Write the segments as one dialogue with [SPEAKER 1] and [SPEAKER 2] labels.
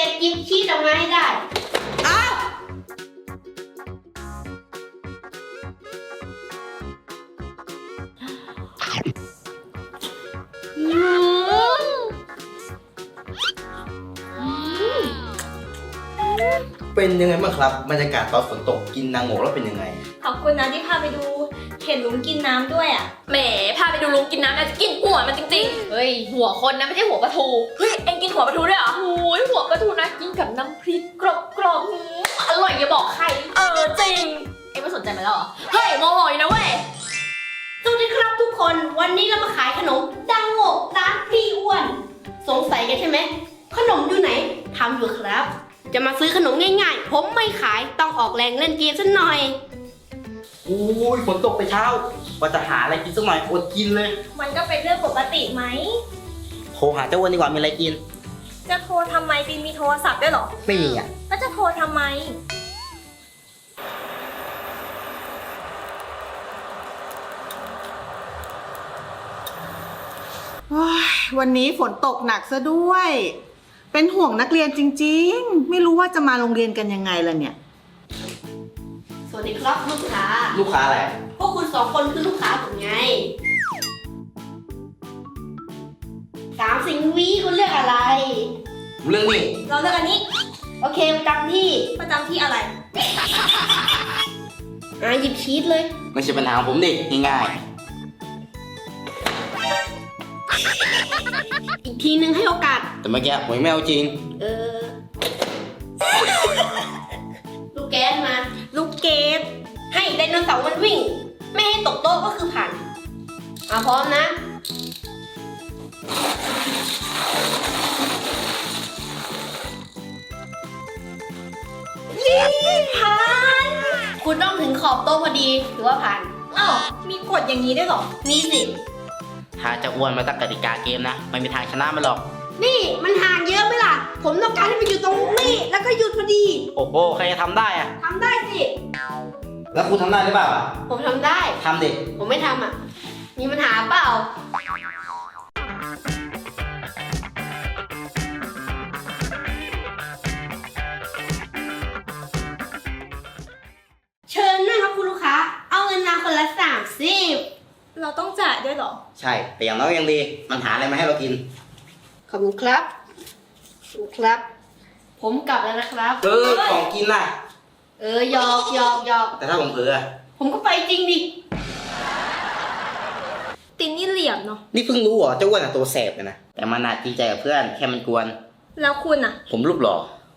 [SPEAKER 1] ร็จหยิบชีสออกมาให้ได้อ้าว
[SPEAKER 2] เป็นยังไงบ้างครับบรรยากาศตอนฝนตกกินนางโงแล้วเป็นยังไง
[SPEAKER 3] ขอบคุณนะที่พาไปดูเห็นลุงกินน้ำด้วยอ่ะ
[SPEAKER 4] แหมพาไปดูลุงกินน้ำนะจะกินหัวมันจริงๆเฮ้ยหัวคนนะไม่ใช่หัวปลาทูเฮ้ยเอ็งกินหัวปลาทูด้วยเหรอโอ้ยหัวปลาทูนะกินกับน้ำพริกกรอบๆอร่อยอย่าบอกใครจริงเอ็งไม่สนใจมันแล้วเหรอเฮ้ยโมโหอยู่นะเว้ย
[SPEAKER 1] สวัสดีครับทุกคนวันนี้เรามาขายขนมดังโง่ร้านพี่อ้วนสงสัยกันใช่ไหมขนมอยู่ไหนทำอยู่ครับ จะมาซื้อขนมง่ายๆผมไม่ขายต้องออกแรงเล่นเกมสักหน่อย
[SPEAKER 2] โอ้ยฝนตกไปเช้าว่าจะหาอะไรกินสักหน่อยอดกินเลย
[SPEAKER 3] มันก็เป็นเรื่องปกติไหม
[SPEAKER 2] โทรหาเจ้าอ้วนดีกว่ามีอะไรกิน
[SPEAKER 3] จะโทรทำไมบินมีโทรศัพท์ด้วยเหรอ
[SPEAKER 2] ไม่มีอ่ะ
[SPEAKER 3] แล้วจะโทรทำไม
[SPEAKER 5] วันนี้ฝนตกหนักซะด้วย เป็นห่วงนักเรียนจริงๆ ไม่รู้ว่าจะมาโรงเรียนกันยังไงล่ะเนี่ย
[SPEAKER 1] สวัสดีครับลูกค้า
[SPEAKER 2] ลูกค้าอะไร
[SPEAKER 1] พวกคุณสองคนคือลูกค้าผมไง30 วิคุณเลือกอะไร
[SPEAKER 2] เรื่องนี้
[SPEAKER 3] เราเลือกอันนี้
[SPEAKER 1] โอเคประจำที่
[SPEAKER 3] ประจำที่อะไร
[SPEAKER 1] หยิบชีสเลย
[SPEAKER 2] ไม่ใช่ปัญหาของผมดิง่าย
[SPEAKER 1] อีกทีนึงให้โอกาส
[SPEAKER 2] ๆแต่เมื่อกี้ผมยังไม่เอาจริง
[SPEAKER 1] ลูกแก๊สมา
[SPEAKER 3] ลูกเกด
[SPEAKER 1] ให้ไดโนเสาร์มันวิ่ง ไม่ให้ตกโต๊ะก็คือผ่านพร้อมนะ ผ่าน คุณต้องถึงขอบโต๊ะพอดีถือว่าผ่าน
[SPEAKER 3] อ้าวมีกฎอย่างนี้ด้วยเหรอ
[SPEAKER 1] มีสิ
[SPEAKER 2] ถ้าจะอ้วนมาตั้งกติกาเกมนะไม่มีทางชนะมันหรอก
[SPEAKER 1] นี่มันห่างเยอะไหมล่ะ ผมต้องการให้มันอยู่ตรงนี้แล้วก็หยุดพอดี
[SPEAKER 2] โอ้โหใครจะทำได้อะ
[SPEAKER 1] ทำได้สิ
[SPEAKER 2] แล้วคุณทำได้หรือเปล่าอะ
[SPEAKER 1] ผมทำได้
[SPEAKER 2] ทำดิ
[SPEAKER 1] ผมไม่ทำอ่ะ มีปัญหาเปล่า เชิญนะครับคุณลูกค้า เอาเงินมาคนละ30
[SPEAKER 3] เราต้องจ่ายด้วยเหรอ
[SPEAKER 2] ใช่แต่อย่างน้อยยังดีมันหาอะไรมาให้เรากิน
[SPEAKER 1] ขอบคุณครับขอบคุณครับ ผมกลับแล้วนะครับ
[SPEAKER 2] ของกินน่ะ
[SPEAKER 1] หยอก
[SPEAKER 2] แต่ถ้าผมเผลออะ
[SPEAKER 1] ผมก็ไปจริงดิ
[SPEAKER 3] ตินนี่เหลี่ยมเนาะ
[SPEAKER 2] นี่เพิ่งรู้เหรอเจ้าอ้วนอะตัวแสบเลยนะแต่มันน่ะจริงใจกับเพื่อนแค่มันกวน
[SPEAKER 3] แล้วคุณอ่ะ
[SPEAKER 2] ผมรูปหล่อ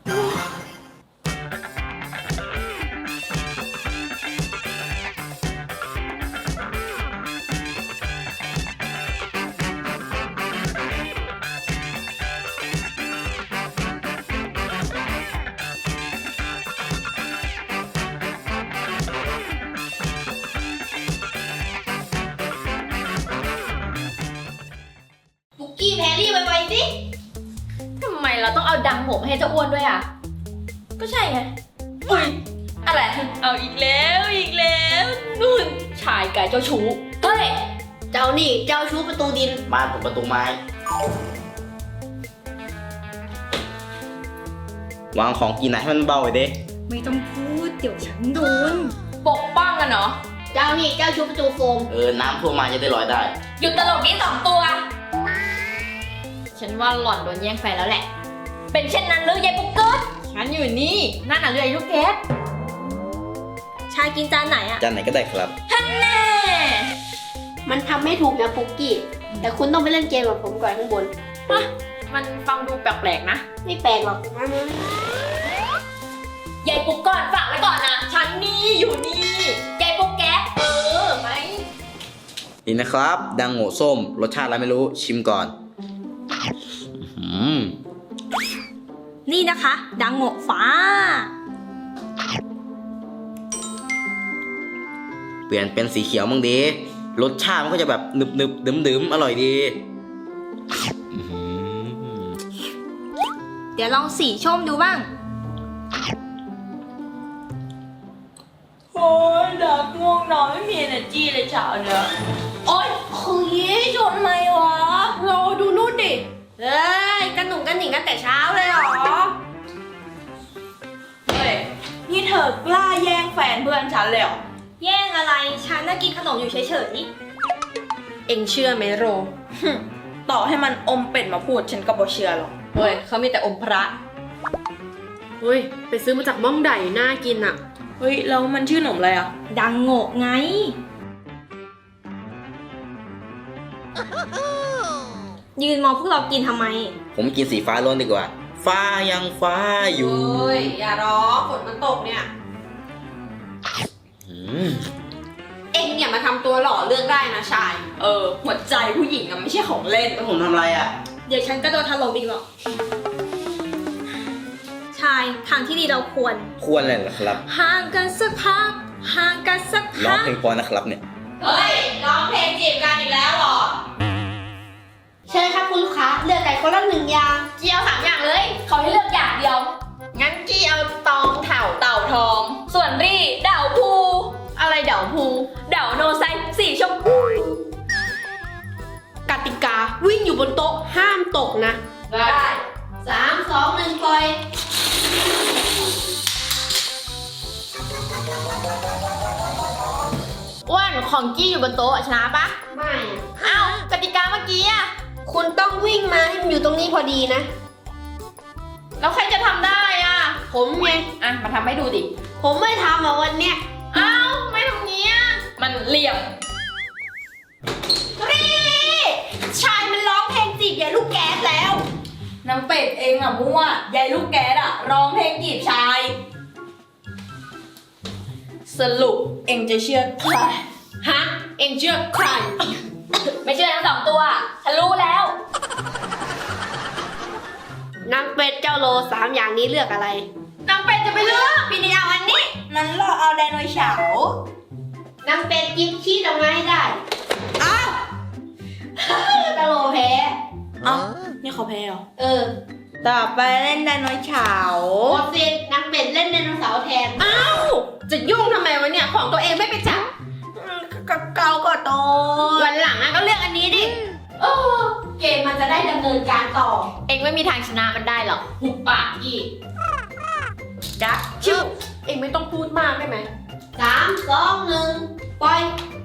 [SPEAKER 1] ปุกกี้แพรรี่ไวๆสิ
[SPEAKER 4] ทำไมเราต้องเอาดังผมให้เจ้าอ้วนด้วยอ่ะก็ใช่ไงอุ้ยอะไรเอาอีกแล้วนู่นชายกายเจ้าชู้เฮ้ย
[SPEAKER 1] เจ้านี่เจ้าชู้ประตูดิน
[SPEAKER 2] บ้านผมประตูไม้ วางของกินไหนให้มันเบาไว้เด้
[SPEAKER 3] ไม่ต้องพูดเดี๋ยวฉันโดน
[SPEAKER 4] ปกป้องกันเนาะ
[SPEAKER 1] เจ้านี่เจ้าชู้ประตูโฟม
[SPEAKER 2] น้ำท่วมมาจะได้ลอยได้
[SPEAKER 4] หยุดตลกนี้2 ตัว ฉันว่าหล่อนโดนแย่งแฟนแล้วแหละ เป็นเช่นนั้นหรือยายปุ๊กเกิดฉันอยู่นี่นั่นน่ะเรือไอ้ลูกแก๊ส
[SPEAKER 3] ชายกินจานไหนอ่ะ
[SPEAKER 2] จานไหนก็ได้ครับ
[SPEAKER 4] ท่านแน่
[SPEAKER 1] มันทำไม่ถูกนะปุกกี้ แต่คุณต้องไปเล่นเกมกับผมก่อนข้างบน
[SPEAKER 4] มันฟังดูแปลกๆนะ
[SPEAKER 1] ไม่แปลกหรอกมา
[SPEAKER 4] ยายปุ๊กก่อนฝากไว้ก่อนนะฉันนี่อยู่นี่ยายปุ๊กแก๊สไหม
[SPEAKER 2] นี่นะครับ ดังโง่ส้ม รสชาติอะไรไม่รู้ชิมก่อน
[SPEAKER 3] นี่นะคะ ดังโง่ฟ้า
[SPEAKER 2] เปลี่ยนเป็นสีเขียวมั่งดีรสชาติมันก็จะแบบหนึบหนึบๆดื่มๆอร่อยดี
[SPEAKER 3] เดี๋ยวลองสีชมดูบ้าง
[SPEAKER 4] โอ้ยดักง่วงนอนไม่มี energy เลยเช้าเนี่ยโอ๊ย
[SPEAKER 1] คือชนไหมวะเราดูนู่นดิ เฮ้ยกันหนุ่งกันหนิงกันแต่เช้าเลยเหรอ
[SPEAKER 6] กล้าแย่งแฟนเพื่อนฉันเลยเหรอ
[SPEAKER 3] แย่งอะไร ฉันน่ะกินขนมอยู่เฉย
[SPEAKER 1] เอ็งเชื่อไหมโร
[SPEAKER 6] ต่อให้มันอมเป็ดมาพูดฉันก็บ่เชื่อหรอก
[SPEAKER 1] เฮ้ยเขามีแต่อมพระเฮ้ยไปซื้อมาจากม่องได่น่ากินอ่ะ
[SPEAKER 6] เฮ้ยแล้วมันชื่อขนมอะไรอ่ะ
[SPEAKER 3] ๆ ดังโงะไง ยืนมองพวกเรากินทำไม
[SPEAKER 2] ผมกินสีฟ้าล้วนดีกว่า ฟ้ายังฟ้าอยู่
[SPEAKER 1] เฮ้ยอย่าร้องฝนมันตกเนี่ย
[SPEAKER 2] อืม
[SPEAKER 1] เอ็งอย่ามาทำตัวหล่อเลือกได้นะชาย
[SPEAKER 6] หัวใจผู้หญิงอะไม่ใช่ของเล่น
[SPEAKER 2] แล้วผมทำอะไรอ่ะ
[SPEAKER 3] เดี๋ยวฉันก็โดนถล่มอีกหรอก ชายทางที่ดีเราควร
[SPEAKER 2] ควรเลยเหรอครับ
[SPEAKER 3] ห่างกันสักพัก ห่างกันสัก
[SPEAKER 2] ร้อง
[SPEAKER 3] พัก
[SPEAKER 2] เพลงพอนะครับเนี่ย
[SPEAKER 1] เฮ้ยร้องเพลงจีบกันอีกแล้วหรอเชิญครับคุณลูกค้าเลือกไก่คนละ1 อย่าง
[SPEAKER 4] กี้เอา3 อย่างเลยเขาให้เลือกอย่างเดียว งั้นกี้เอาตองเต่าทอง ส่วนรี่เดาภู
[SPEAKER 1] อะไรเดี๋ยวภู
[SPEAKER 4] เดาโนไซสีชมพู
[SPEAKER 1] กติกาวิ่งอยู่บนโต๊ะห้ามตกนะ
[SPEAKER 4] ได้
[SPEAKER 1] 3 2 1ปล่อย
[SPEAKER 4] อ้วนของกี้อยู่บนโต๊ะชนะปะ
[SPEAKER 1] ไม่อะ
[SPEAKER 4] อ้าวกติกาเมื่อกี้อะ
[SPEAKER 1] คุณต้องวิ่งมาให้มันอยู่ตรงนี้พอดีนะ
[SPEAKER 4] แล้วใครจะทำได้อะ
[SPEAKER 1] ผมไง
[SPEAKER 4] อ่ะมาทำให้ดูดิ
[SPEAKER 1] ผมไม่ทำอ่ะวันเนี้ย
[SPEAKER 4] อ้าวไม่ทำงี้อะมันเหลี่ยม
[SPEAKER 1] ชายมันร้องเพลงจีบยายลูกแก๊สแล้ว
[SPEAKER 6] น้ำเป็ดเองอะมั่วยายลูกแก๊สอะร้องเพลงจีบชาย สรุปเองจะเชื่อใคร
[SPEAKER 1] ฮะ เอ็งเชื่อใคร
[SPEAKER 4] ไม่เชื่อทั้ง2 ตัวฉันรู้แล้ว
[SPEAKER 1] นางเป็ดเจ้าโล3 อย่างนี้เลือกอะไร
[SPEAKER 4] นางเป็ดจะไปเลือกพี่นิเอาอันนี้
[SPEAKER 6] นั้นเราเอาไดโนเสาร์
[SPEAKER 1] นางเป็ดกินชีสออกมาให้ได้ อ้าวเจ้าโลแพ้
[SPEAKER 6] เอ้านี่เขาแพ้เหรอ
[SPEAKER 1] เออ
[SPEAKER 6] ต่อไปเล่นไดโนเสาร์
[SPEAKER 1] หมดสิทธิ์นางเป็ดเล่นไดโนเสาร์แทน อ้าว จะยุ่งทำไมวะเนี่ย ของตัวเองไม่ไปจับ
[SPEAKER 6] เกาก็โต
[SPEAKER 1] วันหลังอะก็เลือกอันนี้ดิเออเกมมันจะได้ดำเนินการต่อ
[SPEAKER 4] เองไม่มีทางชนะมันได้หรอกหุบปากกี้
[SPEAKER 1] ดักชิวเองไม่ต้องพูดมากได้ไหม3 2 1ปล่อย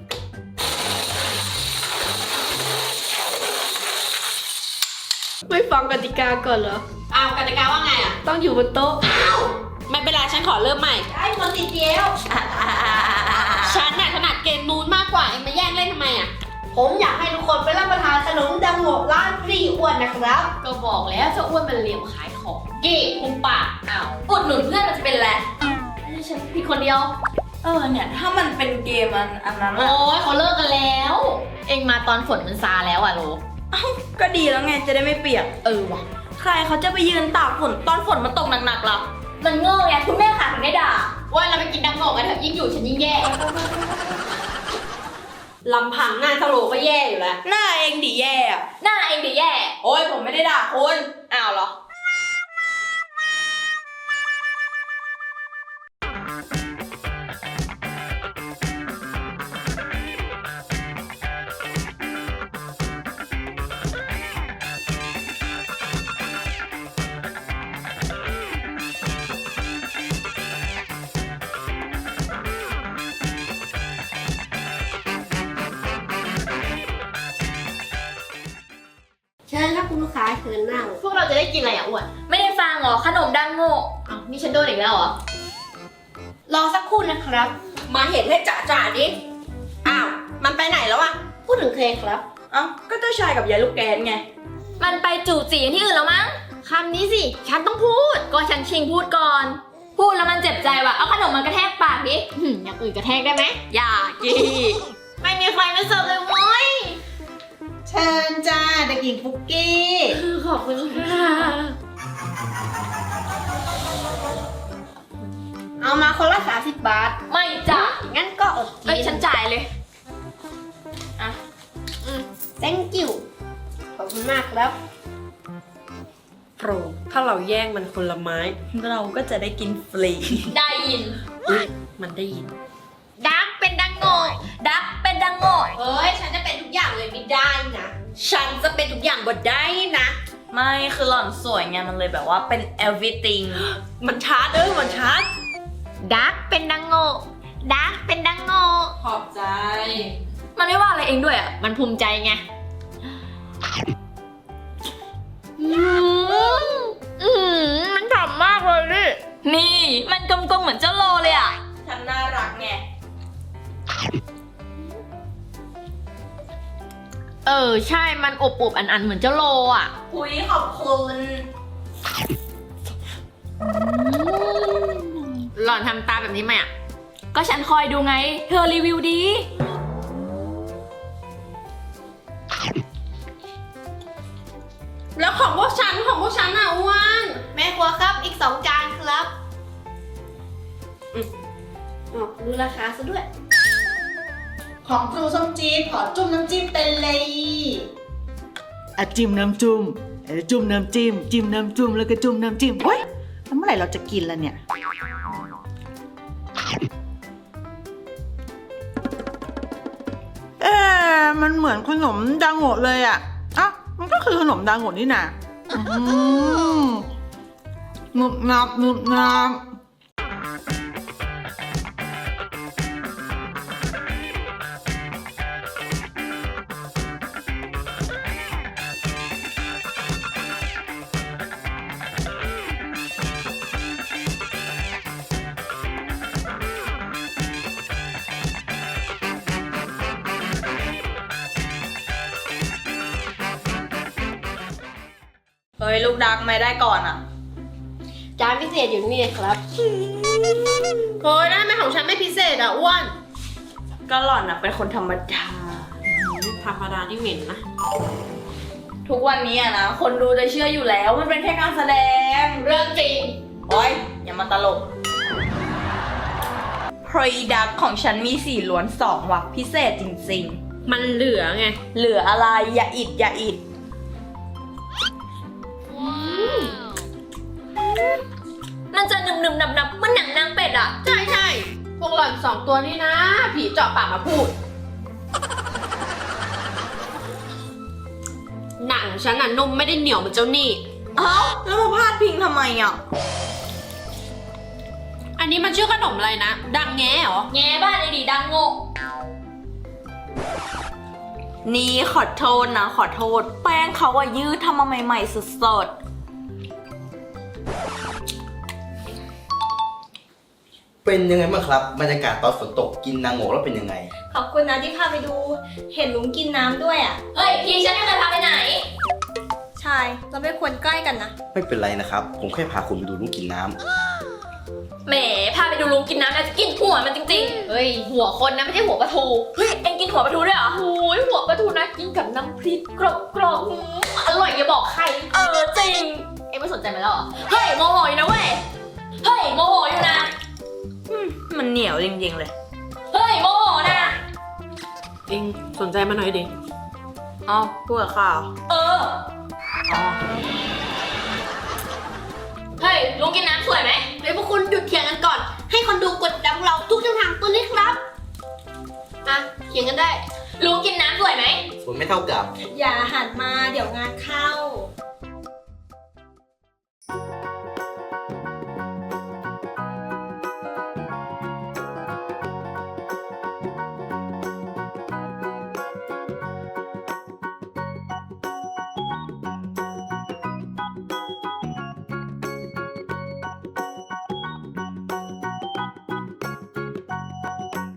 [SPEAKER 1] ไม่ฟังกติกาก่อนเหรอ อ้าวกติกาว่าไงอ่ะ ต้องอยู่บนโต๊ะ อ้าว ไม่เป็นไรฉันขอเริ่มใหม่ ได้หมดติดเดียว ฉันน่ะถนัดเกมนู้นมากกว่า เองมาแย่งเล่นทำไมอ่ะ ผมอยากให้ทุกคนไปรับประทานขนมดังโงะร้านพี่อ้วนนะครับ
[SPEAKER 4] ก็บอกแล้วเจ้าอ้วนมันเหลี่ยมขายของ กี้หุบปากอ้าวอุดหนุนเพื่อนมันจะเป็นอะไรนี่ฉันผิดคนเดียว
[SPEAKER 6] เนี่ยถ้ามันเป็นเกมอันนั้น
[SPEAKER 4] โอ้
[SPEAKER 6] อะ
[SPEAKER 4] ยเขาเลิกกันแล้ว เองมาตอนฝนมันซาแล้วอ่ะโล
[SPEAKER 6] ก็ดีแล้วไงจะได้ไม่เปียก
[SPEAKER 4] ว่ะ
[SPEAKER 6] ใครเขาจะไปยืนตากฝนตอนฝนมันตกหนักๆล่ะ
[SPEAKER 4] มันโง่ไงคุณแม่ค่ะถึงได้ด่าว่าเราไปกินดังโง่กันเถอะยิ่งอยู่ฉันยิ่งแย่
[SPEAKER 1] ลำพังหน้าเจ้าโลก็แย่อยู่แล้ว
[SPEAKER 6] หน้าเองดิแย่อะ
[SPEAKER 4] หน้าเองดิแย่
[SPEAKER 6] โอ้ยผมไม่ได้ด่าคุณอ้าวเหรอ
[SPEAKER 1] เชิญครับคุณลูกค้าเชิญนั่ง
[SPEAKER 4] พวกเราจะได้กินอะไรอ่ะอ้วน ไม่ได้ฟังเหรอขนมดังโง่อ้าวนี่ฉันโดนอีกแล้วเหรอ
[SPEAKER 1] รอสักครู่นะครับ
[SPEAKER 6] มาเห็นให้จ่าดิ อ้าว มันไปไหนแล้วอะ
[SPEAKER 1] พูดถึงเคครับ
[SPEAKER 6] เอ้าก็เจ้าชายกับยายลูกแกนไง
[SPEAKER 4] มันไปจู่จีที่อื่นแล้วมั้งคำนี้สิฉันต้องพูดก็ฉันชิงพูดก่อน พูดแล้วมันเจ็บใจว่ะเอาขนมมันกระแทกปากดิอย่างอื่นกระแทกได้ไหม
[SPEAKER 6] อย่ากี้
[SPEAKER 4] ไม่มีใครมาเสิร์ฟเลยเว้ย
[SPEAKER 5] เชิญจ้าเด็กหญิงปุกกี้
[SPEAKER 4] ขอบคุณค่ะ
[SPEAKER 1] เอามาคนละ30 บาท
[SPEAKER 4] ไม่จ้ะ
[SPEAKER 1] งั้นก็อดกิ
[SPEAKER 4] เอ้ยฉันจ่ายเลย
[SPEAKER 1] thank you ขอบคุณมากครับโปรถ้าเราแย่งมันคนละไม้
[SPEAKER 6] เราก็จะได้กินฟรี
[SPEAKER 4] ได้ยิน
[SPEAKER 1] มันได้ยิน
[SPEAKER 4] ดักเป็นดังโง่ดักเป็นดังโง่
[SPEAKER 1] เฮ้ย ฉันจะเป็นทุกอย่างเลยไม่ได้นะ ฉันจะเป็นทุกอย่างบ่ได้นะ
[SPEAKER 6] ไม่คือหล่อนสวยไงมันเลยแบบว่าเป็น everything
[SPEAKER 1] มันชาร์จมันชาร์จ
[SPEAKER 4] ดักเป็นดังโงดักเป็นดังโง
[SPEAKER 6] ขอบใจ
[SPEAKER 4] มันไม่ว่าอะไรเองด้วยอ่ะ มันภูมิใจไงมันฉ่ำมากเลยดิ
[SPEAKER 3] นี่มันกลมๆเหมือนเจ้าโลเลยอ่ะ
[SPEAKER 6] ฉันน่ารักไง
[SPEAKER 4] ใช่ มันอบๆอันๆเหมือนเจ้าโลอ่ะ
[SPEAKER 6] คุยขอบคุณ
[SPEAKER 4] หล่อนทำตาแบบนี้ไหมอ่ะ
[SPEAKER 3] ก็ฉันคอยดูไง เธอรีวิวดี
[SPEAKER 1] แล้วของพวกฉันอ่ะอ้วนแม่ครัวครับอีก2 จานครับรู้ราคาซะด้วย
[SPEAKER 5] ของครูส้มจี๊ดขอจุ่มน้ำจิ้มเป็นเลยอ่ะจิ้มน้ำจุ่มจุ่มน้ำจิ้มจิ้มน้ำจุ่มแล้วก็จุ่มน้ำจิ้มเฮ้ยแล้วเมื่อไหร่เราจะกินล่ะเนี่ยมันเหมือนขนมดังโงะเลยอ่ะอ่ะมันก็คือขนมดังโงะนี่นะหนึบหนับหนึบหนับ
[SPEAKER 6] เฮ้ย ลูกดักไม่ได้ก่อนอ่ะ
[SPEAKER 1] จานพิเศษอยู่นี่ครับโอ้ยได้ไหมของฉันไม่พิเศษอ่ะอ้วน
[SPEAKER 6] ก็หล่อนอ่ะเป็นคนธรรมดา
[SPEAKER 1] ธรรมดาที่เหม็นนะ
[SPEAKER 6] ทุกวันนี้อะนะ คนดูจะเชื่ออยู่แล้ว มันเป็นแค่การแสดง
[SPEAKER 4] เรื่องจริง
[SPEAKER 6] โอ๊ย อย่ามาตลก Product ของฉันมี4 ล้วน 2 ว่ะ พิเศษจริง
[SPEAKER 1] มันเหลือไง
[SPEAKER 6] ๆ เหลืออะไร อย่าอิด อย่าอิด
[SPEAKER 4] มันจะหนึบๆหนับๆมันหนังนางเป็ดอ่ะ
[SPEAKER 1] ใช่พวกหล่อน2 ตัวนี้นะ ผีเจาะปากมาพูด หนังฉันน่ะนุ่มไม่ได้เหนียวเหมือนเจ้านี่
[SPEAKER 6] เอ้า แล้วมาพาดพิงทำไมอ่ะ
[SPEAKER 1] อันนี้มันชื่อขนมอะไรนะ ดังแง่เหรอ
[SPEAKER 4] แง่บ้านไอ้ดีดังโง
[SPEAKER 6] นี่ขอโทษนะ ขอโทษ แป้งเขาอะยืดทำมาใหม่ๆสด
[SPEAKER 2] เป็นยังไงบ้างครับบรรยากาศตอนฝนตกกินนางโงแล้วเป็นยังไง
[SPEAKER 3] ขอบคุณนะที่พาไปดู เห็นลุงกินน้ำด้วยอ่ะ
[SPEAKER 4] เฮ้ย พี่ฉันไม่เคยพาไปไหน
[SPEAKER 3] ใช่ เราไม่ควรใกล้กันนะ
[SPEAKER 2] ไม่เป็นไรนะครับ ผมแค่พาคุณไปดูลูกกินน้ำ
[SPEAKER 4] แหม พาไปดูลุงกินน้ำแล้วจะกินหัวมันจริงๆ เฮ้ย หัวคนนะไม่ใช่หัวปลาทู เฮ้ย เอ็งกินหัวปลาทูด้วยเหรอโอ้ยหัวปลาทูนะกินกับน้ำพริกกรอบอร่อยอย่าบอกใคร จริง เอ็งไม่สนใจมันแล้วเหรอ เฮ้ยโมโหอยู่นะเว้ย เฮ้ยโมโหอยู่นะ
[SPEAKER 6] ๆ มันเหนียวจริงๆเลย
[SPEAKER 4] เฮ้ยโมโหนะ
[SPEAKER 1] เองสนใจมาหน่อยดิ
[SPEAKER 6] เอ้าพูดกับข้าว
[SPEAKER 4] เออ เฮ้ยลุงกินน้ำสวยไหม
[SPEAKER 1] เดี๋ยวพวกคุณหยุดเถียงกันก่อน ให้คนดูกดดังเราทุกช่องทางตัวนี้ครับอ่ะเถียงกันได้
[SPEAKER 4] ลุงกินน้ำสวยไหม
[SPEAKER 2] ฝนไม่เท่ากับ
[SPEAKER 3] อย่าหันมาเดี๋ยวงานเข้า